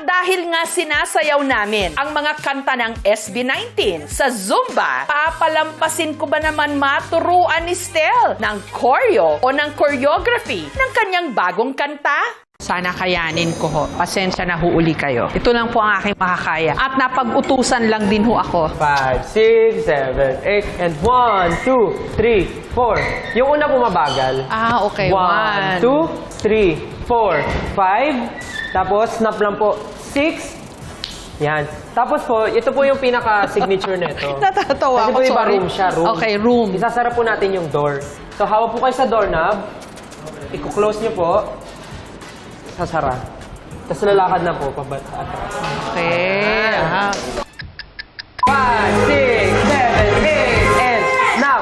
dahil nga sinasayaw namin ang mga kanta ng SB19 sa Zumba, papalampasin ko ba naman maturuan ni Stel ng choreo o ng choreography ng kanyang bagong kanta? Sana kayanin ko ho. Pasensya na huuli kayo. Ito lang po ang aking makakaya. At napag-utusan lang din ho ako. 5, 6, 7, 8, and 1, 2, 3, 4. Yung una bumabagal. Ah, okay. 1, 2, 3, 4, 5. Tapos, snap lang po. 6. Yan. Tapos po, ito po yung pinaka-signature nito. Natatawa Kasi ako, po iba sorry. room siya, room. Okay, room. Isasara po natin yung door. So, hawak po kayo sa doorknob. I-close nyo po. Sasara. Tapos lalakad na po pababa atras. Okay. 5, 6, 7, 8, and snap!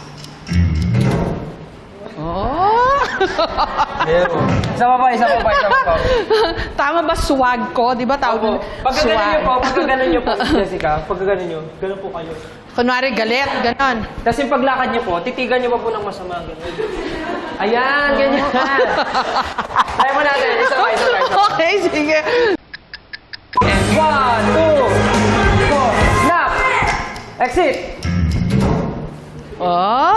Oh! Isa pa. Tama ba swag ko? Di ba tawag Pagka ganun nyo po, Jessica, pagka ganun nyo, ganun po kayo. Kunwari galit, ganon. Tapos yung paglakad nyo po, titigan nyo pa po ng masama, ganun. Ayan, ganyan. Try mo natin, isa pa. Okay, sige. And 1, 2, 4, snap! Exit! Oh!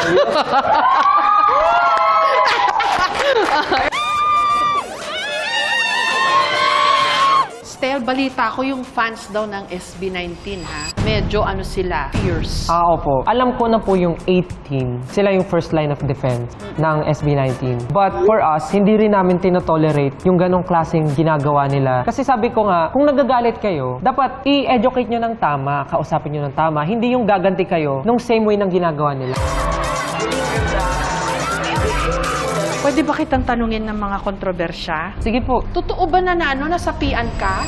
Stel, balita ko yung fans daw ng SB19, ha? Medyo ano sila, fierce. Opo. Alam ko na po yung 18. Sila yung first line of defense ng SB19. But for us, hindi rin namin tinotolerate yung ganong klaseng ginagawa nila. Kasi sabi ko nga, kung nagagalit kayo, dapat i-educate nyo ng tama, kausapin nyo ng tama, hindi yung gaganti kayo nung same way ng ginagawa nila. Pwede ba kitang tanungin ng mga kontrobersya? Sige po. Totoo ba na nasapian ka?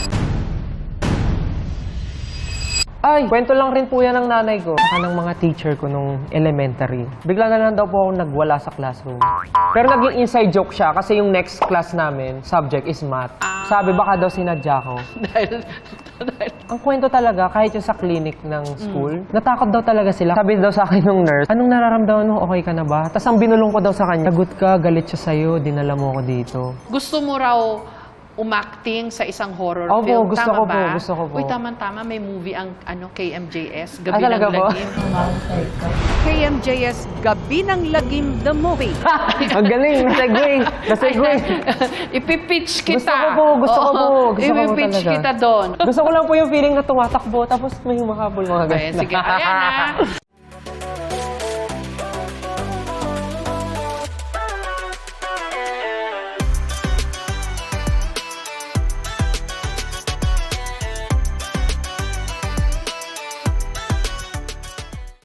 Ay, kwento lang rin po yan ng nanay ko. Saka ng mga teacher ko nung elementary. Bigla na lang daw po ako nagwala sa classroom. Pero naging inside joke siya kasi yung next class namin, subject is math. Sabi, baka daw sinadya ko. dahil... Ang kwento talaga, kahit yung sa clinic ng school, natakot daw talaga sila. Sabi daw sa akin ng nurse, anong nararamdaman mo? Okay ka na ba? Tapos ang binulong ko daw sa kanya, sagot ka, galit siya sa'yo, dinala mo ako dito. Gusto mo raw umacting sa isang horror Opo, film. gusto Tama ko ba? po, gusto ko po. Uy, tama. May movie ang KMJS, Gabi talaga ng po? Lagim. KMJS Gabi ng Lagim the Movie. Ang galing, nasegue. Ipipitch kita. Gusto ko po, gusto ko po Ipipitch talaga. kita doon. Gusto ko lang po yung feeling na tumatakbo, tapos may humahabol mga ganun. Sige, ayan na.